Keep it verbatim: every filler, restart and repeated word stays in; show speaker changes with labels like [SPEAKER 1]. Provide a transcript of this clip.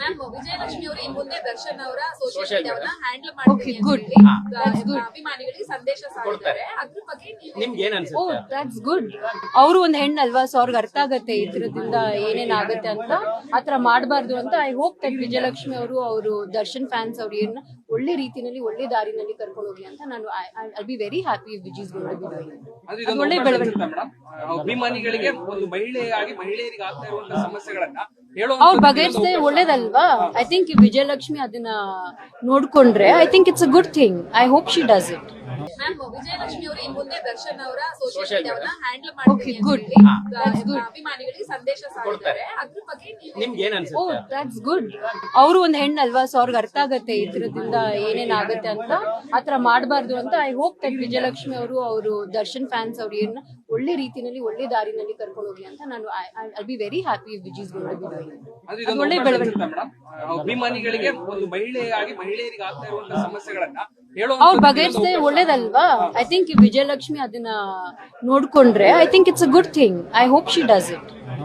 [SPEAKER 1] Ma'am Vijayalakshmi ಅವರು ಈ ಮುಂದೆ ದರ್ಶನ್ ಅವರ ಸೋಷಿಯಲ್
[SPEAKER 2] Social
[SPEAKER 1] ಮೀಡಿಯಾವನ್ನ
[SPEAKER 2] media.
[SPEAKER 1] ಹ್ಯಾಂಡಲ್ ಮಾಡ್ತೀವಿ
[SPEAKER 3] Okay, good.
[SPEAKER 1] ಅಂತ ಹೇಳಿ,
[SPEAKER 3] ಹಾ. That's good.
[SPEAKER 1] ಅಭಿಮಾನಿಗಳಿಗೆ ಸಂದೇಶ ಸಾರಿದ್ದಾರೆ. ಅದ್ರ ಬಗ್ಗೆ ನೀವು
[SPEAKER 2] ನಿಮ್ಗೆ ಏನ್
[SPEAKER 3] ಓ
[SPEAKER 2] ಅನ್ಸುತ್ತೆ?
[SPEAKER 3] That's good. ಅವರು ಒಂದ್ ಹೆಣ್ಣಲ್ವಾ, ಸೊ ಅವ್ರಿಗೆ ಅರ್ಥ ಆಗತ್ತೆ ಈ ತರದಿಂದ ಏನೇನ್ ಆಗತ್ತೆ ಅಂತ. ಆತರ ಮಾಡಬಾರ್ದು ಅಂತ ಐ ಹೋಪ್ ದಟ್ ವಿಜಯಲಕ್ಷ್ಮಿ ಅವರು ಅವರು ದರ್ಶನ್ ಫ್ಯಾನ್ಸ್ ಅವ್ರು ಏನ್ ಒಳ್ಳೆ ರೀತಿನಲ್ಲಿ ಒಳ್ಳೆ ದಾರಿನಲ್ಲಿ ಕರ್ಕೊಂಡು ಹೋಗ್ಲಿ ಅಂತ ನಾನು I be very happy with his going to be doing.
[SPEAKER 4] ಅದು ಇದೊಂದು
[SPEAKER 3] ಒಳ್ಳೆ
[SPEAKER 4] ಅವಕಾಶ
[SPEAKER 3] ಬೆಳವಣಿಗೆ.
[SPEAKER 4] ಇರುತ್ತೆ ಮೇಡಮ್. ಅಭಿಮಾನಿಗಳಿಗೆ ಒಂದು ಮಹಿಳೆಯಾಗಿ ಮಹಿಳೆಯರಿಗೆ ಆಗ್ತಾ ಇರುವಂತಹ ಸಮಸ್ಯೆಗಳನ್ನ
[SPEAKER 3] ಅವ್ರು
[SPEAKER 4] ಹೇಳುವಂತ
[SPEAKER 3] ಬಗೆಹರಿಸಿದ್ರೆ ಒಳ್ಳೇದಲ್ವಾ. ಐ ಥಿಂಕ್ ವಿಜಯಲಕ್ಷ್ಮಿ ಅದನ್ನ ನೋಡ್ಕೊಂಡ್ರೆ I think it's a good thing. I hope she does it.
[SPEAKER 1] Ma'am Vijayalakshmi ಅವರು ಈ ಮುಂದೆ ದರ್ಶನ್ ಅವರ ಸೋಷಿಯಲ್
[SPEAKER 2] Social
[SPEAKER 1] ಮೀಡಿಯಾವನ್ನ
[SPEAKER 2] media.
[SPEAKER 1] ಹ್ಯಾಂಡಲ್ ಮಾಡ್ತೀವಿ
[SPEAKER 3] Okay,
[SPEAKER 1] ಅಂತ
[SPEAKER 3] good.
[SPEAKER 1] ಹೇಳಿ,
[SPEAKER 2] ಹಾ.
[SPEAKER 3] That's good.
[SPEAKER 1] ಅಭಿಮಾನಿಗಳಿಗೆ ಸಂದೇಶ ಸಾರಿದ್ದಾರೆ. ಅದ್ರ ಬಗ್ಗೆ ನೀವು
[SPEAKER 2] ನಿಮ್ಗೆ ಏನ್
[SPEAKER 3] ಓ
[SPEAKER 2] ಅನ್ಸುತ್ತೆ?
[SPEAKER 3] That's good. ಅವರು ಒಂದ್ ಹೆಣ್ಣಲ್ವಾ, ಸೊ ಅವ್ರಿಗೆ ಅರ್ಥ ಆಗತ್ತೆ ಈ ತರದಿಂದ ಏನೇನ್ ಆಗತ್ತೆ ಅಂತ. ಆತರ ಮಾಡಬಾರ್ದು ಅಂತ ಐ ಹೋಪ್ ದಟ್ ವಿಜಯಲಕ್ಷ್ಮಿ ಅವರು ಅವರು ದರ್ಶನ್ ಫ್ಯಾನ್ಸ್ ಅವ್ರು ಏನ್ ಒಳ್ಳೆ ರೀತಿನಲ್ಲಿ ಒಳ್ಳೆ ದಾರಿನಲ್ಲಿ ಕರ್ಕೊಂಡು ಹೋಗ್ಲಿ ಅಂತ ನಾನು I be very happy with his going to be doing.
[SPEAKER 4] ಅದು ಇದೊಂದು
[SPEAKER 3] ಒಳ್ಳೆ
[SPEAKER 4] ಅವಕಾಶ
[SPEAKER 3] ಬೆಳವಣಿಗೆ.
[SPEAKER 4] ಇರುತ್ತೆ ಮೇಡಮ್. ಅಭಿಮಾನಿಗಳಿಗೆ ಒಂದು ಮಹಿಳೆಯಾಗಿ ಮಹಿಳೆಯರಿಗೆ ಆಗ್ತಾ ಇರುವಂತಹ ಸಮಸ್ಯೆಗಳನ್ನ
[SPEAKER 3] ಅವ್ರು
[SPEAKER 4] ಹೇಳುವಂತ
[SPEAKER 3] ಬಗೆಹರಿಸಿದ್ರೆ ಒಳ್ಳೇದಲ್ವಾ. ಐ ಥಿಂಕ್ ವಿಜಯಲಕ್ಷ್ಮಿ ಅದನ್ನ ನೋಡ್ಕೊಂಡ್ರೆ I think it's a good thing. I hope she does it.